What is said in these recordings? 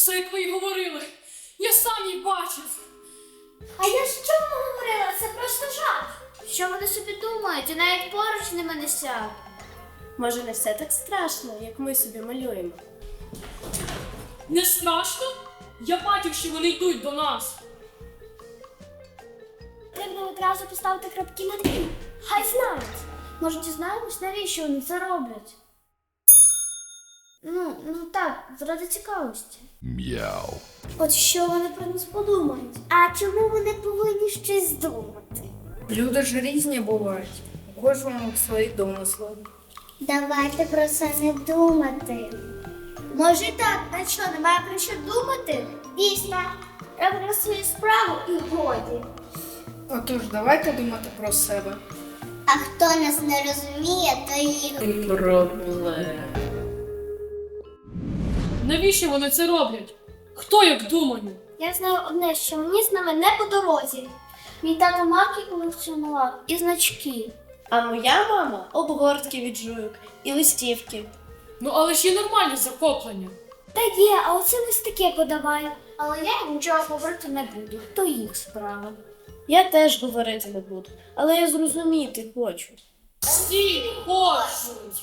Все, як ви й говорили. Я сам її бачив. А я що говорила? Це просто жах. Що вони собі думають? І навіть поруч ними не сяду. Може, не все так страшно, як ми собі малюємо. Не страшно? Я бачив, що вони йдуть до нас. Треба одразу поставити крапки над «і». Хай знають. Може, дізнаємось, навіщо вони це роблять? Ну так, заради цікавості. Мяу. От що вони про нас подумають? А чому вони повинні щось думати? Люди ж різні бувають. У кожному свої домисли. Давайте про це не думати. Може і так, а що, немає про що думати? Дійсно, роблю свою справу і годі. Отож, давайте думати про себе. А хто нас не розуміє, то їх. Проблем. Навіщо вони це роблять? Хто як думає? Я знаю одне, що мені з ними не по дорозі. Мій тато марки колекціонував і значки. А моя мама обгортки від жуйок і листівки. Ну але ж є нормальні захоплення. Та є, а оце ось таке подавай. Але я їм нічого говорити не буду. То їх справа. Я теж говорити не буду, але я зрозуміти хочу. Всі хочуть.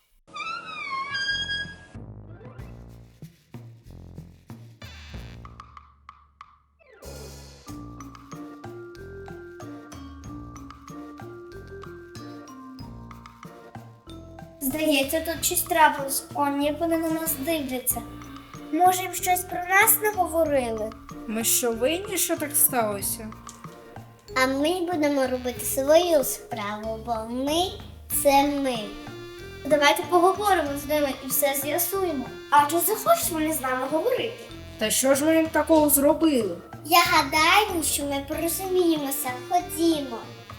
Здається, тут щось трапилось. Он, як вони на нас дивляться. Може, їм щось про нас не говорили? Ми що винні, що так сталося? А ми будемо робити свою справу, бо ми – це ми. Давайте поговоримо з ними і все з'ясуємо. А чи захочуть вони з нами говорити? Та що ж ми їм такого зробили? Я гадаю, що ми порозуміємося. Ходімо.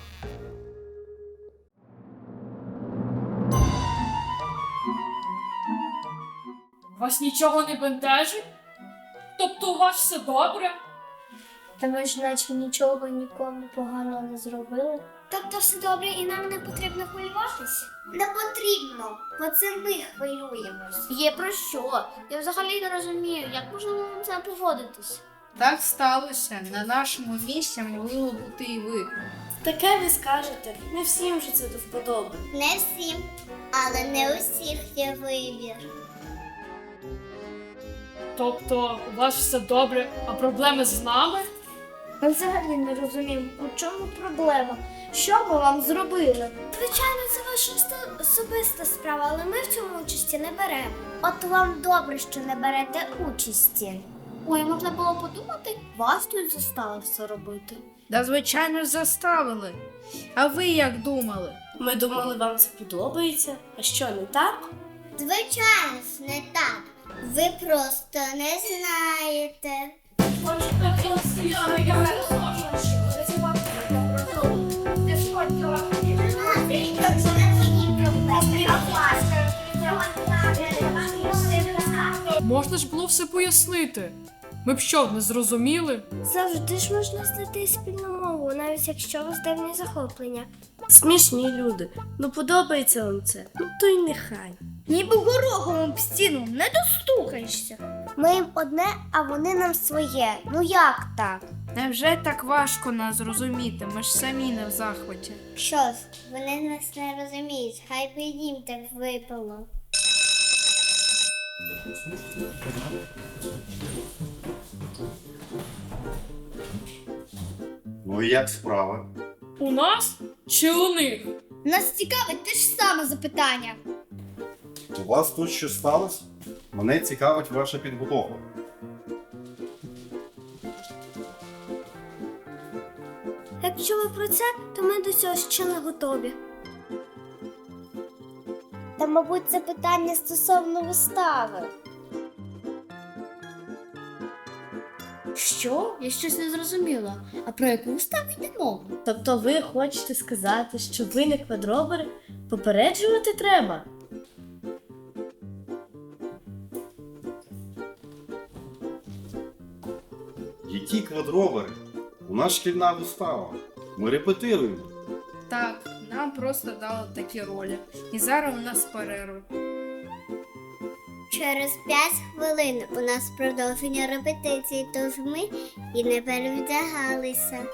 Вас нічого не бентежить? Тобто у вас все добре? Та ми ж наче нічого нікому поганого не зробили. Тобто все добре і нам не потрібно хвилюватися? Не потрібно, бо це ми хвилюємось. Є про що? Я взагалі не розумію, як можна вам це поводитись. Так сталося. На нашому місці могли бути і ви. Таке ви скажете, не всім же це до вподоби. Не всім, але не усіх є вибір. Тобто у вас все добре, а проблеми з нами? Ми взагалі не розуміємо, у чому проблема. Що ми вам зробили? Звичайно, це ваша особиста справа, але ми в цьому участі не беремо. От вам добре, що не берете участі. Ой, можна було подумати, вас тут заставили все робити. Да, звичайно ж, заставили. А ви як думали? Ми думали, вам це подобається. А що, не так? Звичайно ж, не так. Ви просто не знаєте. Можна ж було все пояснити. Ми б що, не зрозуміли? Завжди ж можна знайти спільну мову, навіть якщо у вас дивні захоплення. Смішні люди. Ну подобається вам це. Ну то й нехай. Ніби горохом об стіну не достукаєшся. Ми їм одне, а вони нам своє. Ну як так? Невже так важко нас зрозуміти? Ми ж самі не в захваті. Що ж, вони нас не розуміють. Хай би їм так випало. Ну і як справа? У нас чи у них? Нас цікавить те ж саме запитання. У вас тут щось сталося? Мене цікавить ваша підготовка. Якщо ви про це, то ми до цього ще не готові. Та, мабуть, це питання стосовно вистави. Що? Я щось не зрозуміла. А про яку виставу йде мова? Тобто ви хочете сказати, що ви не квадробери? Попереджувати треба. Які квадробери? У нас шкільна вистава. Ми репетируємо. Так, нам просто дали такі ролі. І зараз у нас перерва. Через 5 хвилин у нас продовження репетиції, тож ми і не перевдягалися.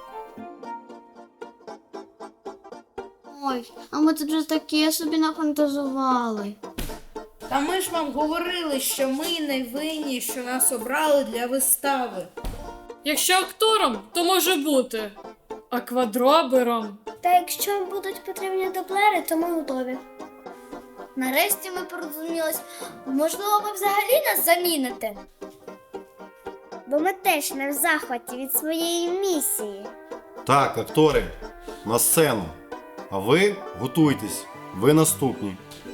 Ой, а ми тут вже таке собі нафантазували. Та ми ж вам говорили, що ми не винні, що нас обрали для вистави. Якщо актором, то може бути. А квадробером. Та якщо вам будуть потрібні дублери, то ми готові. Нарешті ми порозумілись. Можливо, ви взагалі нас заміните? Бо ми теж не в захваті від своєї місії. Так, актори, на сцену. А ви готуйтесь, ви наступні.